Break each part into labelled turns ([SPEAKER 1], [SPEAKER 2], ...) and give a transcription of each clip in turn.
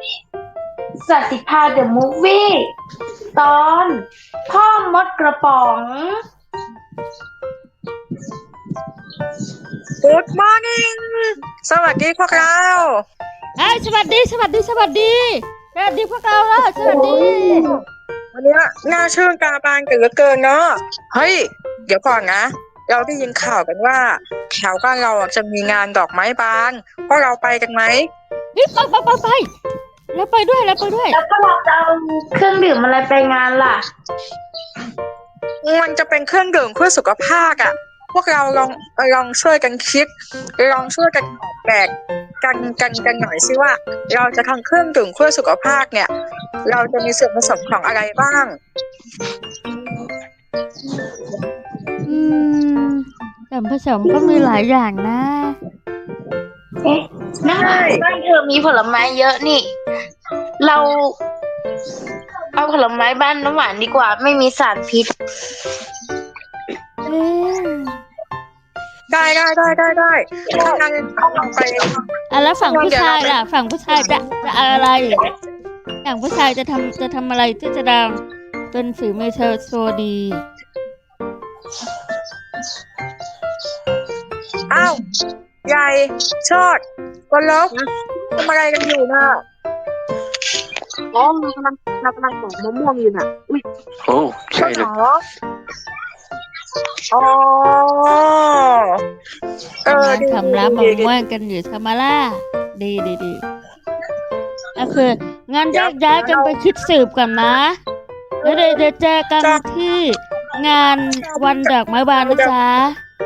[SPEAKER 1] สัตติภาเดอะมูฟวี่ตอนพ่อมดกระป๋อง
[SPEAKER 2] Good morning สวัสดีพวกเรา
[SPEAKER 3] สวัสดีสวัสดีสวัสดีสวัสดีพวกเราแล้วสวัสดี
[SPEAKER 2] วันนี้น่าชื่นตาบานกันเหลือเกินเนาะเฮ้ยเดี๋ยวก่อนนะเราได้ยินข่าวกันว่าแถวบ้านเราจะมีงานดอกไม้บานพวกเราไปกันไหม
[SPEAKER 3] ไปแล้วไปด้วย
[SPEAKER 1] แล้วพวกเราจะเอาเครื่องดื่มอะไรไปงานล่ะ
[SPEAKER 2] มันจะเป็นเครื่องดื่มเพื่อสุขภาพอ่ะพวกเราลองช่วยกันคิดลองช่วยกันออกแบบกันหน่อยสิว่าเราจะทำเครื่องดื่มเพื่อสุขภาพเนี่ยเราจะมีส่วนผสมของอะไรบ้าง
[SPEAKER 3] ส่วนผสมก็มีหลายอย่างนะ
[SPEAKER 1] น้ำหวานบ้านเธอมีผลไม้เยอะนี่เราเอาผลไม้บ้านน้ำหวานดีกว่าไม่มีสารพิษ
[SPEAKER 2] ได้ถ้างั้นต้องไป
[SPEAKER 3] แล้วฝั่งผู้ชายล่ะฝั่งผู้ชายจะอะไรอย่างผู้ชายจะทำอะไรที่จะดังเป็นฝีมือเธอโชว์ดี
[SPEAKER 2] อ้าวใหญ่ชอดวันลบทำอะไรกันอยู่น่ะ
[SPEAKER 4] เรากำลังปอกมะม่วงอยู่น่ะ
[SPEAKER 5] โอ้ใช่เลย
[SPEAKER 2] อ๋อ
[SPEAKER 3] ทำร้านมะม่วงกันอยู่ทำมาล่าดีก็คืองั้นแยกย้ายกันไปคิดสืบกันนะแล้วเดี๋ยวเจอกันที่งานวันดอกไม้บานนะจ๊ะ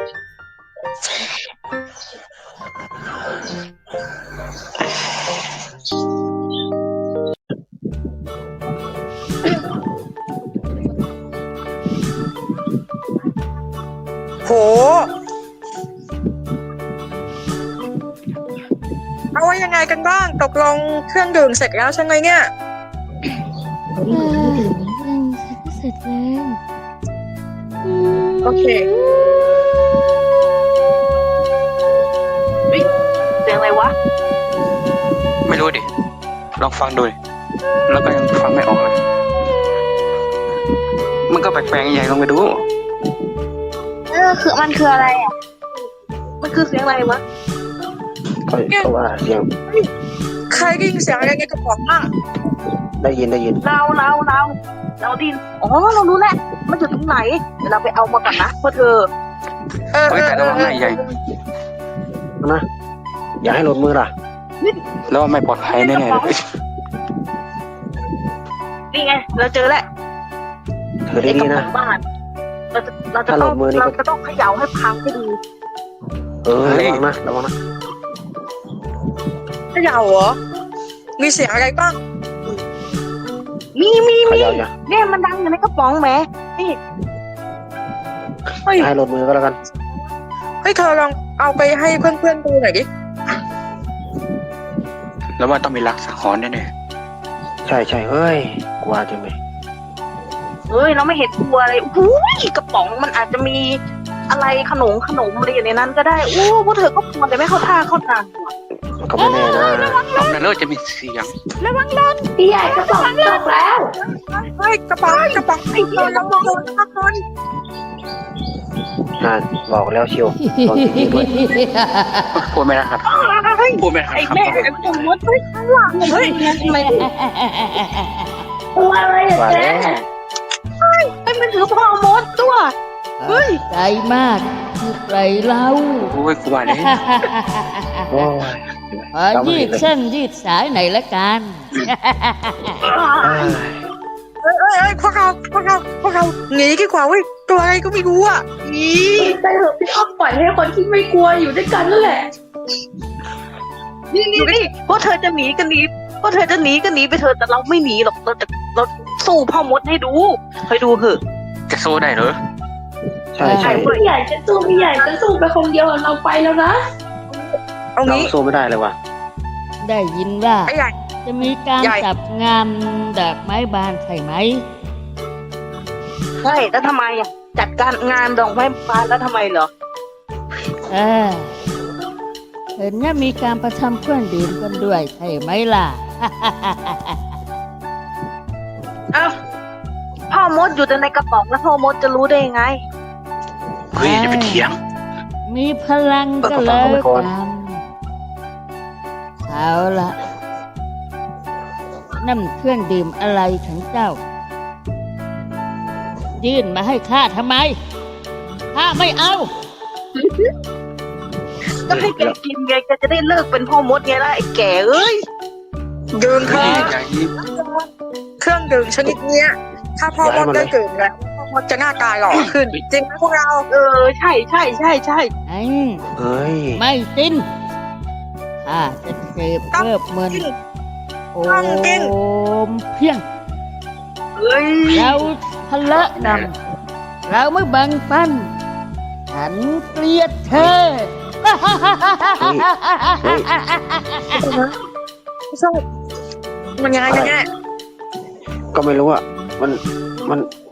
[SPEAKER 2] โหเอาไว้ยังไงกันบ้างตกลงเครื่องดื่มเสร็จแล้วใช่ไหมเนี่ย
[SPEAKER 3] เสร็จแล้ว
[SPEAKER 2] โอเค
[SPEAKER 4] เสียงอะไรวะ
[SPEAKER 5] ไม่รู้ดิลองฟังดูแล้วก็ยังฟังไม่ออกเลยมันก็แปลกๆใหญ่ลองไปดู
[SPEAKER 4] มันคืออะไรอ่ะมันคือเสียงอะไรวะ
[SPEAKER 6] ก็ว่าเสียง
[SPEAKER 2] ใครได้ยินเสียงอะไรในกระป๋องมั่ง
[SPEAKER 6] ได้ยิน
[SPEAKER 4] เราดินเรารู้แหละมันอยู่ตรงไหนเดี๋ยวเราไปเอามาก่อนนะพ่อเธอ
[SPEAKER 5] แต่ระวังหน่อยใหญ่
[SPEAKER 6] นะอย่าให้หล่นมือล่ะ
[SPEAKER 5] แล้วไม่ปลอดภัยแน่ๆเลย
[SPEAKER 4] นี่ไงเราเจอแล้ว
[SPEAKER 6] เธอได้ดีนะ
[SPEAKER 4] เราจะต้องเขย่าให้พังให้ดู
[SPEAKER 6] ระวังนะ
[SPEAKER 2] เขย่าเหรอมีเสียงอะไรบ้าง
[SPEAKER 4] มีเนี่ยมันดังอยู่ในกระป๋องแหมนี่
[SPEAKER 6] ให้หล่นมือก็แล้วกัน
[SPEAKER 2] เธอลองเอาไปให้เพื่อนๆดูหน่อยดิ
[SPEAKER 5] แล้วว่าต้องมีลักษณ์สังหรณ์แน่
[SPEAKER 6] ใช่เฮ้ยกลัวจังเลย
[SPEAKER 4] เราไม่เห็นตัวเลยกระป๋องมันอาจจะมีอะไรขนมอะไรอยู่ในนั้นก็ได้พวกเธอก็ควรแต่ไม่เข้าท่าเข้าทาง
[SPEAKER 6] ก็ไม่แน่นะ
[SPEAKER 5] ลองนั่นเลยจะมีเสียง
[SPEAKER 3] ระวังรถ
[SPEAKER 1] พี่ใหญ่กระป๋องตกแล้ว
[SPEAKER 2] กระป๋องไอ้เหี้ยระวังคน
[SPEAKER 6] บอกแล้วเชียวตอนที่ด้วย
[SPEAKER 5] พูดไม่ได้ครับพูดไม่ได้ครับ
[SPEAKER 4] ไอ้แม่ไอ้ตัวมดข้างหลังทำไม
[SPEAKER 1] ตัวอะไร
[SPEAKER 6] ว่า
[SPEAKER 1] แ
[SPEAKER 6] ล้
[SPEAKER 4] มันถือพ่อมดตัว
[SPEAKER 3] ใจมากคือไรเล่า
[SPEAKER 5] โอ้ยกว่าเลย
[SPEAKER 3] ยืดเส้นยืดสายไหนละกัน
[SPEAKER 2] พวกเราหนีดีกว่าเว้ยตัวอะไรก็ไม่รู้อ่ะหนี
[SPEAKER 1] ไปเถอะพี่อ้อมปล่อยให้คนที่ไม่กลัวอยู่ด้วยกันนั่นแหละ
[SPEAKER 4] นี่พวกเธอจะหนีกันหนีพวกเธอจะหนีกันหนีไปเถอะแต่เราไม่หนีหรอกเราสู้พ่อมดให้ดูเคยดูเหอะ
[SPEAKER 5] จะสู้ได้เหรอ
[SPEAKER 6] ใช่
[SPEAKER 1] พี่ใหญ่จะสู้ไปคนเดียวเราไปแล้วนะ
[SPEAKER 6] เราสู้ไม่ได้เลยว่ะ
[SPEAKER 3] ได้ยินว่าจะมีการจับงานดอกไม้บานใช่ไหม
[SPEAKER 4] ใช่แล้วทำไมจัดการงานดอกไม้บานแล้วทำไมเหรอ
[SPEAKER 3] เห็นว่ามีการประชุมเครื่องดื่มกันด้วยใช่ไหมล่ะ
[SPEAKER 4] เอ้าพ่อมดอยู่แต่ในกระป๋องแล้วพ่อมดจะรู้ได้ยังไง
[SPEAKER 5] เฮ้ยอย่าไปเถียง
[SPEAKER 3] มีพลังก็แล้วกันเอาละนั่นเครื่องดื่มอะไรของเจ้า ยื่นมาให้ข้าทำไมข้าไม่เอา
[SPEAKER 4] ก็ให้แกกินไงแกจะได้เลิกเป็นพ่อมดไงล่ะไอ้แก่เอ้ย
[SPEAKER 2] ดื่มเถ
[SPEAKER 5] เฮ้ย
[SPEAKER 2] อะ
[SPEAKER 5] อย่ายิง
[SPEAKER 2] เครื่องดื่มชนิดเนี้ย ถ้าพ่อมดได้ดื่มแล้วพ่อมดจะหน้าตาหล่อขึ้น จริงไหมพวกเรา
[SPEAKER 4] ใช่ใช่ใช่ใช่
[SPEAKER 3] ไอ้
[SPEAKER 6] เฮ้ย
[SPEAKER 3] ไม่ตินข้าจะเสพเพิ่มเงินโอมเพียง
[SPEAKER 4] เฮ้ย
[SPEAKER 3] เราทะเลาะกันเราไม่แบังปันฉันเกลียดเธอ
[SPEAKER 2] ไม่ใช่มันยังไงกันแน่
[SPEAKER 6] ก็ไม่รู้อ่ะ มัน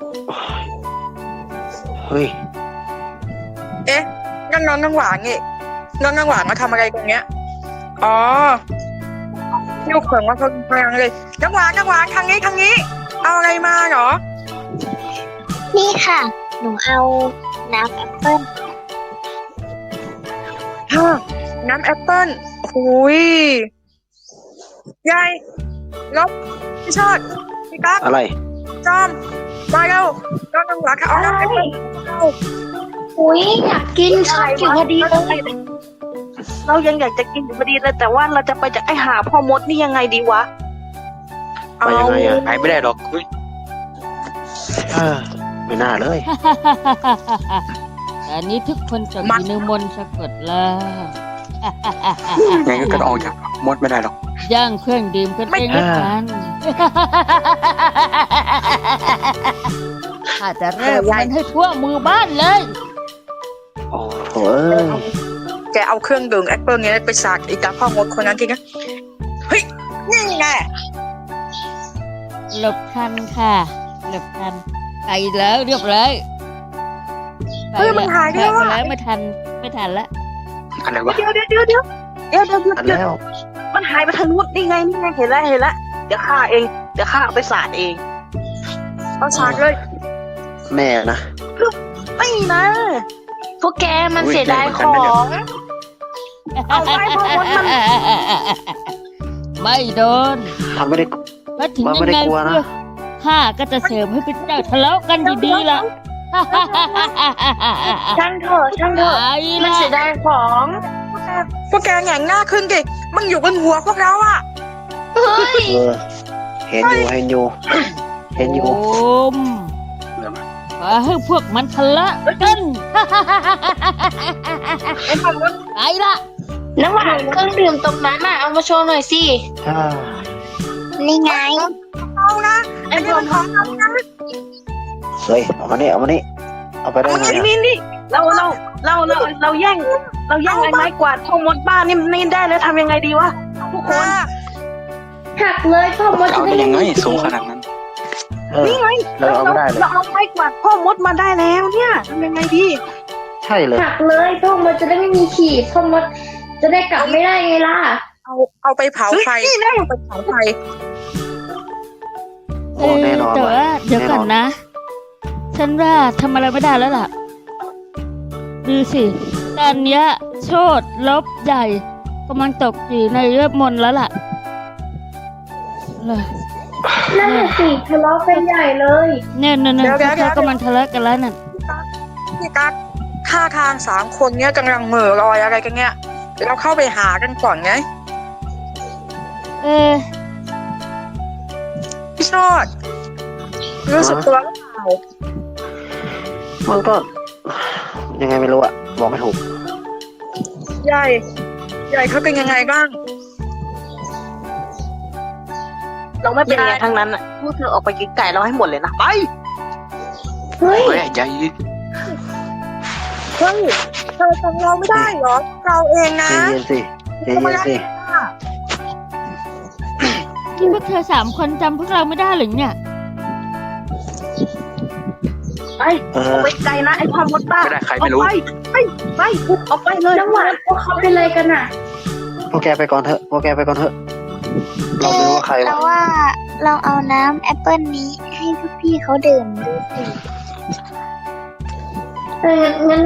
[SPEAKER 6] เฮ้ย
[SPEAKER 2] เอ๊ะนั่นน้องน้ำหวานนี่น้องน้ำหวานมาทำอะไรตรงเนี้ยอ๋อลูกเขิงว่าเขาพลังเลยน้ำหวานทางนี้ เอาอะไรมาเหรอ
[SPEAKER 1] นี่ค่ะ หนูเอาน้ำแอปเปิ้ล
[SPEAKER 2] ฮะน้ำแอปเปิ้ลหุยยายลบพี่ชอดพี่กั๊ก
[SPEAKER 6] อะไร
[SPEAKER 2] จอมมาเร็วน้องน้ำหวานค่ะเอาน้ำแอปเปิ้ลเอา
[SPEAKER 1] อุ้ยอยากกินชอบอยู่พอดีเลย
[SPEAKER 4] เรายังอยากจะกินอยู่พอดีเลยแต่ว่าเราจะไปจากไอ้หาพ่อมดนี่ยังไงดีวะ
[SPEAKER 6] ไปยังไงอ่ะ
[SPEAKER 5] หายไม่ได้หรอกเฮ้ย
[SPEAKER 6] เออไม่น่าเลย
[SPEAKER 3] แต่นี้ทุกคนจะมีในมนต์สะกดแล้ว
[SPEAKER 5] ไงก็ออกจากมดไม่ได้หรอก
[SPEAKER 3] ย่างเครื่องดื่มกันเองละกันข้าจะเริ่มมันให้ทั่วมือบ้านเลย
[SPEAKER 6] โอ้โหเอ้ย
[SPEAKER 2] แกเอาเครื่องดื่มแอปเปิ้ลเนี้ยไปสาดอีตาพ่อมดคนนั้นทีนะเฮ้ยนี่ไง
[SPEAKER 3] หลบทันค่ะ หลบทันไปแล้วเรียบร้อยไป
[SPEAKER 2] เฮ้ยมันหายด้วย
[SPEAKER 3] ไปแล้วไม่ทันละ
[SPEAKER 5] อะไรวะ
[SPEAKER 4] เดี๋ยว
[SPEAKER 6] อันแล้ว
[SPEAKER 4] มันหายไปทางนู้นนี่ไงเห็นแล้วเดี๋ยวข้าเอาไปสาดเอง
[SPEAKER 2] เอาสาดเลย
[SPEAKER 6] แม่นะ
[SPEAKER 4] ไม่นะ
[SPEAKER 1] พวกแกมันเสียดายของ
[SPEAKER 4] เอาไว้พ่อมดมัน
[SPEAKER 3] ไม่โดน
[SPEAKER 6] ทำไม่ได้
[SPEAKER 3] เพราะถึง
[SPEAKER 6] มัน
[SPEAKER 3] ยั
[SPEAKER 6] ไม่
[SPEAKER 3] ง
[SPEAKER 6] ได้
[SPEAKER 3] ไง
[SPEAKER 6] กลัวนะ
[SPEAKER 3] เพื่อข้าก็จะเสริมให้เป็นเจ้าทะเลาะกันดีๆล่ะ
[SPEAKER 1] ช่างเถอะ
[SPEAKER 3] ไอ้
[SPEAKER 1] มัน
[SPEAKER 3] ละ
[SPEAKER 1] เสียดายของ
[SPEAKER 2] พวกแกแหง่งหน้าขึ้นดิมึงอยู่บนหัวพวกเราอ่ะ
[SPEAKER 1] เฮ้ย
[SPEAKER 6] เออ เห็นอยู่
[SPEAKER 3] โอมขอให้พวกมันทะเลาะกัน ไปละ
[SPEAKER 1] น้ำหวานเครื่องดื่มตรงนั้นน่ะเอามาโชว์หน่อยสิ
[SPEAKER 6] อ่า
[SPEAKER 1] นี่ไง
[SPEAKER 2] เอานะอันนี้มันของเรานะ
[SPEAKER 6] เฮ้ย เอามานี่ เอาไปได้ไงอะ
[SPEAKER 4] นี่เราแย่งไอ้ไม้กวาดพ่อมดบ้านนี่ได้แล้วทำยังไงดีวะทุกคน
[SPEAKER 1] หักเลยพ่อมด
[SPEAKER 5] จะเอาได้ยังไงสูงขนาดนั้น
[SPEAKER 6] เออ
[SPEAKER 4] นี่ไง
[SPEAKER 6] เราเอาไม่ได้เลย
[SPEAKER 4] เราเอาไม้กวาดพ่อมดมาได้แล้วเนี่ยทำยังไงดี
[SPEAKER 6] ใช่เลย
[SPEAKER 7] หักเลยพ่อมดจะได้ไม่มีขีดพ่อมดจะได้กลับไม่ได้ไงล่ะ
[SPEAKER 2] เอาไปเผาไฟ
[SPEAKER 4] เฮ้ยนี่ได้
[SPEAKER 2] เอาไปเผาไฟ
[SPEAKER 6] โอ้แน่นอน
[SPEAKER 3] แต่
[SPEAKER 6] ว่ะ
[SPEAKER 3] ว่าเดี๋ยวก่อนนะ ฉันว่าทำอะไรไม่ได้แล้วล่ะ ดูสิ ตอนเนี้ยโชดลบใหญ่กำลังตกอยู่ในเลือดมนต์แล้วล่ะ
[SPEAKER 7] นั่นน่ะสิทะเลาะกันใหญ่เลย
[SPEAKER 3] เนี่ยเขากำลังทะเลาะกันแล้วน่ะ
[SPEAKER 2] พี่กั๊กท่าทาง3 คนเนี้ยกำลังเหม่อลอยอะไรกันเนี้ยเราเข้าไปหากันก่อนไง
[SPEAKER 3] เออ
[SPEAKER 2] พี่ชอดรู้สึกตัวหรือเปล่า
[SPEAKER 6] มันก็ ยังไงไม่รู้อะบอกไม่ถูก
[SPEAKER 2] ใหญ่เขาเป็นยังไงบ้าง
[SPEAKER 4] เราไม่เป็นไงทั้งนั้นอ่ะพวกเธอออกไปกินไก่เราให้หมดเลยนะไป
[SPEAKER 7] เฮ้ย
[SPEAKER 5] เฮ้ยอย่ายิง
[SPEAKER 2] เฮ้ยเธอจำเราไม่ได้เหรอ เราเองนะ
[SPEAKER 6] เย็นสิ
[SPEAKER 3] นี่พวกเธอ3 คนจำพวกเราไม่ได้หรือเนี่ย
[SPEAKER 4] ไป
[SPEAKER 6] เอ
[SPEAKER 4] ออก
[SPEAKER 6] อ
[SPEAKER 4] ไปไกลนะไอ้พ่อมดบ้า
[SPEAKER 5] ไม่ได้ใครไม่รู้
[SPEAKER 4] ออกไปออกไปเลย
[SPEAKER 7] น้ำหวานพวกเขาเป็นอะไรกันอ่ะ
[SPEAKER 6] พวกแกไปก่อนเถอะเราไม่รู้ว่าใคร
[SPEAKER 8] เรา
[SPEAKER 6] วะ
[SPEAKER 8] ว่าลองเอาน้ำแอปเปิลนี้ให้พวกพี่เขาดื่มดูสิ
[SPEAKER 7] งั้น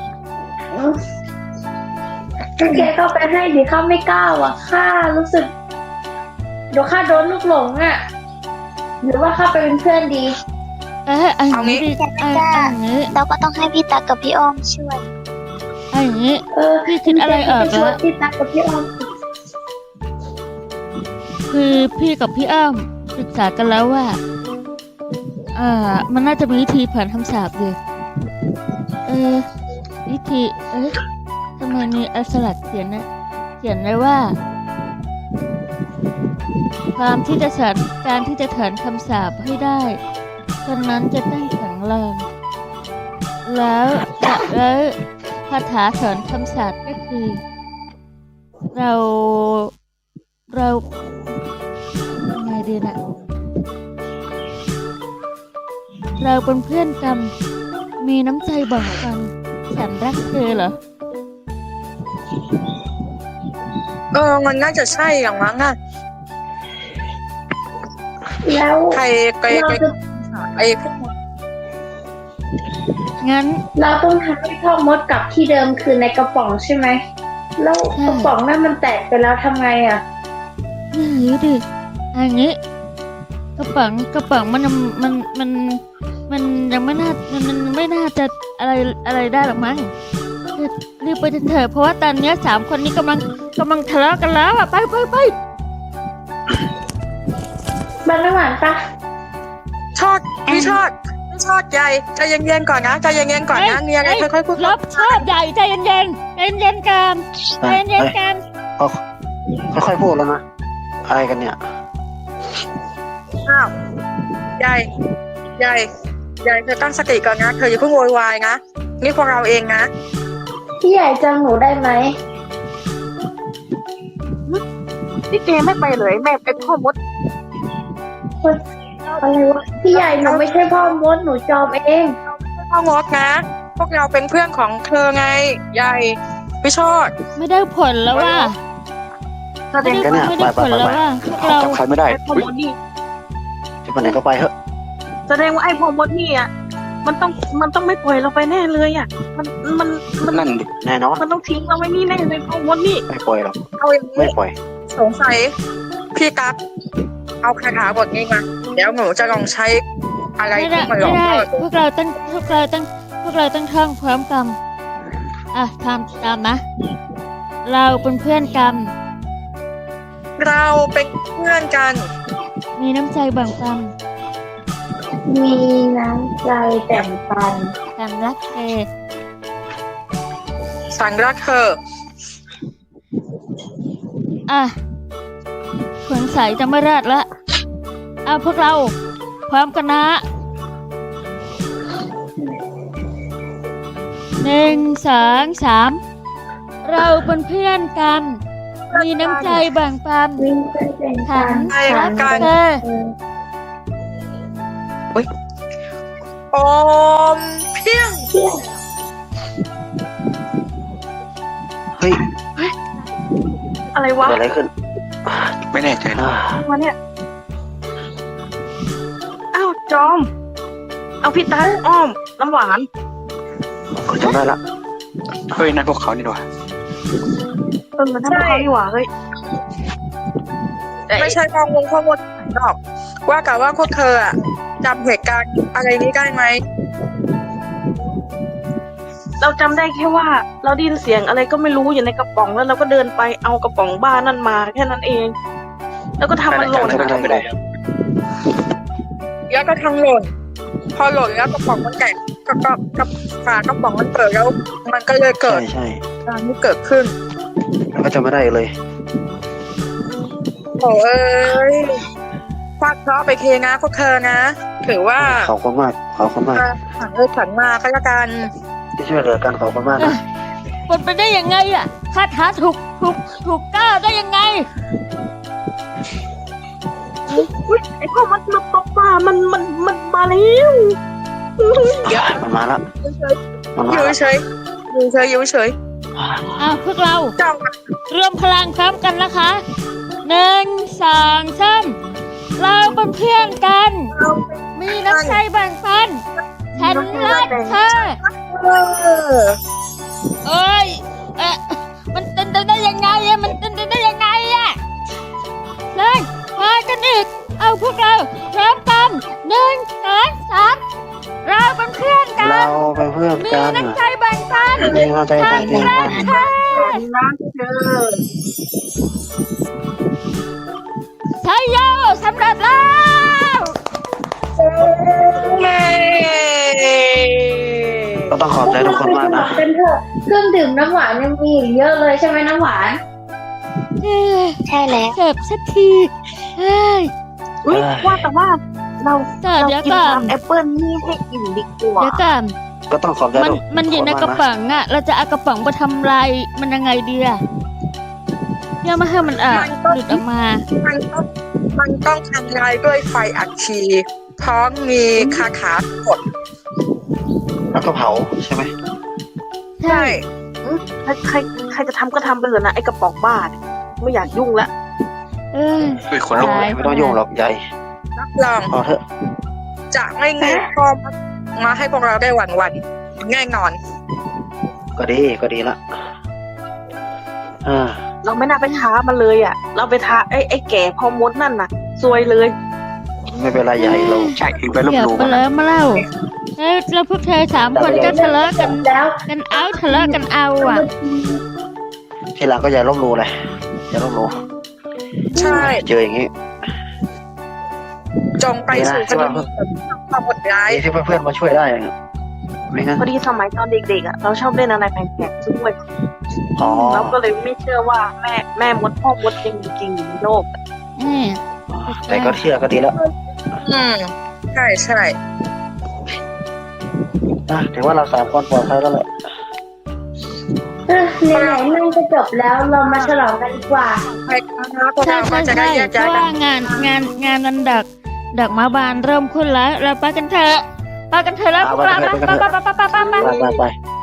[SPEAKER 7] แกก็ไปให้ดิข้าไม่กล้าว่ะข้ารู้สึกเดี๋ยวข้าโดนลูกหลงอ่ะหรือว่าข้าไปเป็นเพื่อนดี
[SPEAKER 3] อันนี้ดิอันนี้
[SPEAKER 8] เราก็ต้องให้พี่ตักกับพี่อ้อมช่วย
[SPEAKER 3] อันนี้ พี่คิดอะไรออก
[SPEAKER 7] ช่วย
[SPEAKER 3] แล้ว
[SPEAKER 7] พี่ตักกับพี่อ้อม
[SPEAKER 3] คือพี่กับพี่อ้ำศึกษากันแล้วว่า มันน่าจะมีวิธีผ่านคำสาปอยู่วิธีทำไมมีอักษรเขียนไว้ว่าการที่จะถอนคำสาปให้ได้คนนั้นจะต้องแข็งแรงแล้วคาถาถอนคำสาปก็คือ เรายังไงดีนะเราเป็นเพื่อนกันมีน้ำใจแบ่งกันฉันรักเธอเหรอ
[SPEAKER 2] มันน่าจะใช่อย่างนั้นอ่ะ
[SPEAKER 7] แล้ว
[SPEAKER 2] ใครไ
[SPEAKER 7] เราจะ
[SPEAKER 2] ไอ้พวก
[SPEAKER 3] งั้น
[SPEAKER 7] เราต้องทำให้พ่อมดกลับที่เดิมคือในกระป๋องใช่ไหมแล้วกระป๋องนั่นมันแตกไปแล้วทำไงอ่ะ
[SPEAKER 3] นี่ดิอันนี้กระป๋องมันยังไม่น่าจะอะไรได้หรอกมั้งรีบไปเถอะเพราะว่าตอนนี้3 คนนี้กำลังทะเลาะกันแล้วอ่ะไป
[SPEAKER 7] บ้านน้ำหวานปะ
[SPEAKER 2] พี่ชอดใหญ่ใจเย็นๆก่อนนะใจเย็นๆก่อนนะมีอะไรค่อยๆพูด
[SPEAKER 3] รับชอบใหญ่ใจเย็นกันใจเย็นกัน
[SPEAKER 6] ค่อยๆพูดแล้วนะอะไรกันเนี่ย
[SPEAKER 2] อ้าวใหญ่เธอตั้งสติก่อนนะเธออย่าเพิ่งโวยวายนะนี่พวกเราเองนะ
[SPEAKER 7] พี่ใหญ่จำหนูได้ไหม
[SPEAKER 4] นี่แกไม่ไปเลยแม่ไอ้พ่อมด
[SPEAKER 7] อะไรวะพี่ใหญ่หนูไม่ใช่พ่อมดหนูจอมเอง
[SPEAKER 2] พ่องดนะ พวกเราเป็นเพื่อนของเธอไงใหญ่พี่ชอด
[SPEAKER 3] ไม่ได้ผลแล้วว่า
[SPEAKER 4] แสดง
[SPEAKER 3] ไม่ได้ผลแล้วว่าพวกเรา
[SPEAKER 5] จับใครไม่ได้
[SPEAKER 4] ไอ้พ่อมดนี่
[SPEAKER 6] จะไปไหนก็ไปเถอะ
[SPEAKER 4] แสดงว่าไอ้พ่อมดนี่อ่ะมันต้องไม่ปล่อยเราไปแน่เลยอ่ะมัน
[SPEAKER 5] นั่นดิ
[SPEAKER 6] แน่นอน
[SPEAKER 4] มันต้องทิ้งเราไว้นี่แน่เลยพ่อมดนี่
[SPEAKER 6] ไม่ปล่อยหรอก
[SPEAKER 2] เอาอย่าง
[SPEAKER 6] ไม่
[SPEAKER 2] นี้
[SPEAKER 6] ปล่อย
[SPEAKER 2] สงสัยพี่ตั๊กเอาคาถาบทนี้มาเดี๋ยวหนูจะลองใช้อะไร
[SPEAKER 3] ไม่ได้
[SPEAKER 2] ที่มันหลอก
[SPEAKER 3] ไม่ได้
[SPEAKER 2] ล่อ
[SPEAKER 3] พวกเราต้องท่องพร้อมกันทำตามนะ เราเป็นเพื่อนกัน
[SPEAKER 2] เราเป็นเพื่อนกัน
[SPEAKER 3] มีน้ำใจแบ่งปัน
[SPEAKER 7] มีน้ำใจแบ่งปัน
[SPEAKER 3] กันรักเธอ
[SPEAKER 2] สังรักเธอ
[SPEAKER 3] สงสัยจะไม่รอดละพวกเราพร้อมกันนะ1 2 3เราเป็นเพื่อนกัน มีน้ำใจแบ่งปัน
[SPEAKER 7] วิ่งไปแบ่ง
[SPEAKER 3] ฉั
[SPEAKER 7] ปั
[SPEAKER 3] น
[SPEAKER 7] น
[SPEAKER 3] รักเธอ
[SPEAKER 2] โอมเพียง
[SPEAKER 6] เฮ้ย
[SPEAKER 4] อะไรวะ
[SPEAKER 6] เกิดอะไรขึ้น
[SPEAKER 5] ไม่แน่ใจนะ
[SPEAKER 4] วะเนี่ยอ้าวจอม เอาพี่ตาอ้อมน้ำหวาน
[SPEAKER 6] ก็จำได้ละ
[SPEAKER 5] เฮ้ยนั่นพวกเขานี่หว่า
[SPEAKER 4] นั่นพวกเขานี่หว่าเฮ้ย
[SPEAKER 2] ไม่ใช่ข้อมูลหรอกว่าแต่ว่าพวกเธออะจำเหตุการณ์อะไรนี้ได้ไหม
[SPEAKER 4] เราจำได้แค่ว่า เราได้ยินเสียงอะไรก็ไม่รู้อยู่ในกระป๋องแล้วเราก็เดินไปเอากระป๋องบ้านั่นมาแค่นั้นเอง แล้วก็ทำมันหล่น
[SPEAKER 5] จำไม่ได้
[SPEAKER 2] แล้วก็ทั้งหล่นพอหล่นแล้วกระป๋องมันแตกก็ฝากระป๋องมันเปิดแล้ว มันก็เลยเกิด
[SPEAKER 6] ใช่
[SPEAKER 2] การที่เกิดขึ้น
[SPEAKER 6] แล้วก็จำไม่ได้เลย
[SPEAKER 2] โอ้เอ้ยฟาดเคราะห์ไปเคนะพวกเธอนะถือว่า
[SPEAKER 6] ขอบคุณมาก
[SPEAKER 2] ผันผันมาก็แล้วกัน
[SPEAKER 6] ที่ช่วยเหลือกันขอบคุณมากนะ
[SPEAKER 3] มันไปได้ยังไงคาถาถูกก้าวได้ยังไง
[SPEAKER 4] ไอ้พ่อมันตกมามันมาแล้ว
[SPEAKER 6] มันมาละมัน
[SPEAKER 2] อ
[SPEAKER 6] มา
[SPEAKER 2] ยู่
[SPEAKER 6] ละ
[SPEAKER 2] เฉยอยู่เฉย
[SPEAKER 3] พวกเรา
[SPEAKER 2] จ้อง
[SPEAKER 3] รวมพลังพร้อมกันนะคะ 1 2 3เราเป็นเพื่อนกัน มีน้ำใจแบ่งปันฉันรักเธอ
[SPEAKER 2] เออ
[SPEAKER 3] เอ้ยมันเป็นไปได้ยังไงอะมันเป็นไปได้ยังไงอะเลยมากันอีก เอาพวกเราพร้อมกัน1 2 3เราเป็นเพื่อนกั
[SPEAKER 6] เรา
[SPEAKER 3] น
[SPEAKER 6] เป็นเพื่อน
[SPEAKER 3] มี
[SPEAKER 6] กัน
[SPEAKER 3] น้ำใจแบ่งปัน
[SPEAKER 6] มีเข้าใจ
[SPEAKER 3] ฉั
[SPEAKER 6] ต่าง
[SPEAKER 3] น
[SPEAKER 6] กัน
[SPEAKER 3] รักเธอ
[SPEAKER 4] รักเธอ
[SPEAKER 3] ใช่โยสำเร็จแล้ว
[SPEAKER 2] เย้
[SPEAKER 6] ก็ต้องขอบใจทุกคนมากนะ
[SPEAKER 7] เป็นเถอะเครื่องดื่มน้ำหวานยังมีอีกเยอะเลยใช่ไหมน้ำหวาน
[SPEAKER 8] ใช่แล้ว
[SPEAKER 3] เจ็บสักทีเฮ้ย
[SPEAKER 4] อุ้ยว่าแต่ว่าเรา
[SPEAKER 3] แต่เดี๋ยว
[SPEAKER 4] กิน
[SPEAKER 3] ก่อน
[SPEAKER 4] น้ำแอปเปิ้ลนี่ให้อิ่มดีกว่า
[SPEAKER 3] เดี๋ยวก่อน
[SPEAKER 6] ก็ต้องขอบใจ
[SPEAKER 3] มัน
[SPEAKER 6] ทุก
[SPEAKER 3] มันอยู่ใน
[SPEAKER 6] ค
[SPEAKER 3] กระ
[SPEAKER 6] มาก
[SPEAKER 3] ป๋องอะเราจะเอากระป๋องไปทำลายมันยังไงดีอะอย่ามาให้มันหลุดออกมา
[SPEAKER 2] มันต้องทำลายด้วยไฟอัดฉีดพร้อมมีคาถากด
[SPEAKER 6] แล้วก็เผาใช่ไหม
[SPEAKER 2] ใช่
[SPEAKER 4] ใครจะทำก็ทำไปเถอะนะไอ้กระป๋องบ้าเนี่ยไม่อยากยุ่งละ
[SPEAKER 3] เอ้ย
[SPEAKER 5] อุ้ยคนลุก
[SPEAKER 3] ตาย
[SPEAKER 6] ไม่ต้องยุ่งหรอกใหญ่
[SPEAKER 2] รับรอง
[SPEAKER 6] พอเถอะ
[SPEAKER 2] จะไม่มีพ่อมาให้พวกเราได้หวันแน่นอน
[SPEAKER 6] ก็ดีละ
[SPEAKER 4] เราไม่น่าไปท้ามันเลยอ่ะ เราไปท้าไอ้แก่พอมดนั่นน่ะซวยเลย
[SPEAKER 6] ไม่เป็นไรใหญ่เรา
[SPEAKER 5] ใช่เองไปลบ
[SPEAKER 3] เดี๋ยว
[SPEAKER 5] หลู่
[SPEAKER 3] ไป
[SPEAKER 5] มัน
[SPEAKER 3] แล้วมาเล่าแล้วพวกเธอ3 คนก็ทะเลาะกัน
[SPEAKER 7] แล้ว
[SPEAKER 3] ทะเลาะกันเอาอะ
[SPEAKER 6] ทีหลังก็อย่าลบหลู่เลยอย่าลบหลู่
[SPEAKER 2] ใช่
[SPEAKER 6] เจออย่างนี้
[SPEAKER 2] จงไปสู่คดีความหดร้าย
[SPEAKER 6] ดีที่เพื่อนๆมาช่วยได้ไม่งั้น
[SPEAKER 4] พอดีสมัยตอนเด็กๆอ่ะเราชอบเล่นอะไรแปลกๆด้วย
[SPEAKER 6] อ๋อ
[SPEAKER 4] เราก็เลยไม่เชื่อว่าแม่มดพ่อมดจริงๆอยู่ในโลก
[SPEAKER 6] แต่ก็เชื่อก็ดีแล้ว
[SPEAKER 2] ใช่ใช่
[SPEAKER 6] ถือว่าเรา3 คนปลอดภัยแล้วแหละ
[SPEAKER 7] ไหนๆนั่งจะจบแล้วเรามาฉลองกันดีกว่า
[SPEAKER 2] ไปครับพวก
[SPEAKER 3] ใช่
[SPEAKER 2] เราก็
[SPEAKER 3] ใช่
[SPEAKER 2] จะได้
[SPEAKER 3] ใช่
[SPEAKER 2] แยก
[SPEAKER 3] เพ
[SPEAKER 2] ย้าย
[SPEAKER 3] ราะ
[SPEAKER 2] กั
[SPEAKER 3] ว่าน งานวันดอกไม้บานเริ่มขึ้นแล้วเราไปกันเถอะไปกันเถอะแล้วพวกเราไป
[SPEAKER 6] ไป